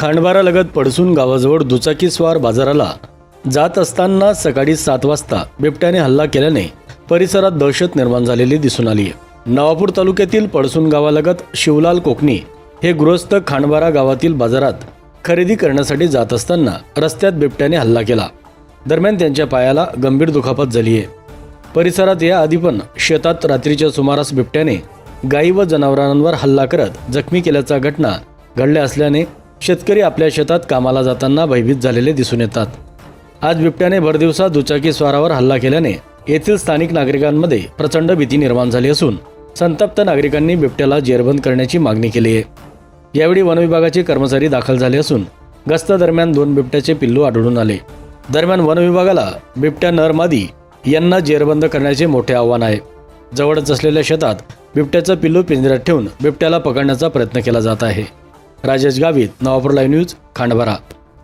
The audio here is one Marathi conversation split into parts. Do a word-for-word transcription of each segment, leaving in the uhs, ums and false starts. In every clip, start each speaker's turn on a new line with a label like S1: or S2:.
S1: खांडबारालगत पडसून गावाजवळ दुचाकीस्वार बाजाराला जात असताना सकाळी सात वाजता बिबट्याने हल्ला केल्याने परिसरात दहशत निर्माण झालेली दिसून आली आहे। नवापूर तालुक्यातील पडसून गावालगत शिवलाल कोकणी हे गृहस्थ खांडबारा गावातील बाजारात खरेदी करण्यासाठी जात असताना रस्त्यात बिबट्याने हल्ला केला। दरम्यान त्यांच्या पायाला गंभीर दुखापत झाली आहे। परिसरात या आधी पण शेतात रात्रीच्या सुमारास बिबट्याने गायी व जनावरांवर हल्ला करत जखमी केल्याच्या घटना घडल्या असल्याने शेतकरी आपल्या शेतात कामाला जाताना भयभीत झालेले दिसून येतात। आज बिबट्याने भरदिवसा दुचाकी स्वारावर हल्ला केल्याने येथील स्थानिक नागरिकांमध्ये प्रचंड भीती निर्माण झाली असून संतप्त नागरिकांनी बिबट्याला जेरबंद करण्याची मागणी केली आहे। यावेळी वनविभागाचे कर्मचारी दाखल झाले असून गस्त दरम्यान दोन बिबट्याचे पिल्लू आढळून आले। दरम्यान वनविभागाला बिबट्या नर मादी यांना जेरबंद करण्याचे मोठे आव्हान आहे। जवळच असलेल्या शेतात बिबट्याचं पिल्लू पिंजऱ्यात ठेवून बिबट्याला पकडण्याचा प्रयत्न केला जात आहे। Rajesh Gavit, Navapur live news, Khandbara.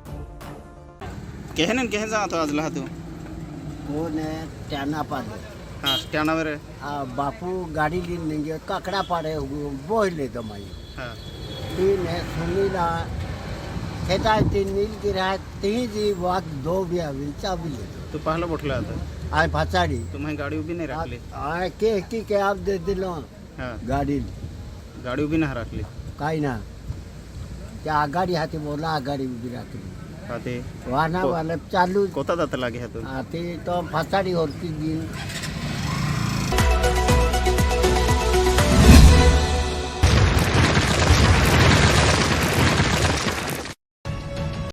S2: केहन केहन जातो आज लहा तू
S3: वो ने टाना पाडे
S2: हा स्टँडावर
S3: आ बापू गाडी ली म्हणजे काकडा पाडे बोहिले दमाई
S2: हा
S3: ती ने सुनीला खेता ती नीलगिरा ती जी वाक दो बिया विचा भी
S2: तू पाहला बोटला आता
S3: आय फाचाडी
S2: तुम्ही गाडी उभी नाही राखली
S3: आय के की के आप दे दिलो
S2: हा
S3: गाडी
S2: गाडी उभी नाही राखली
S3: काय ना त्या आगाडी हाती बोला आगाडी उभी राखली
S2: हा ते
S3: वाहना वाला चालू
S2: कोता जात लागे हा तू
S3: आ, ते तो फाचाडी होती दिन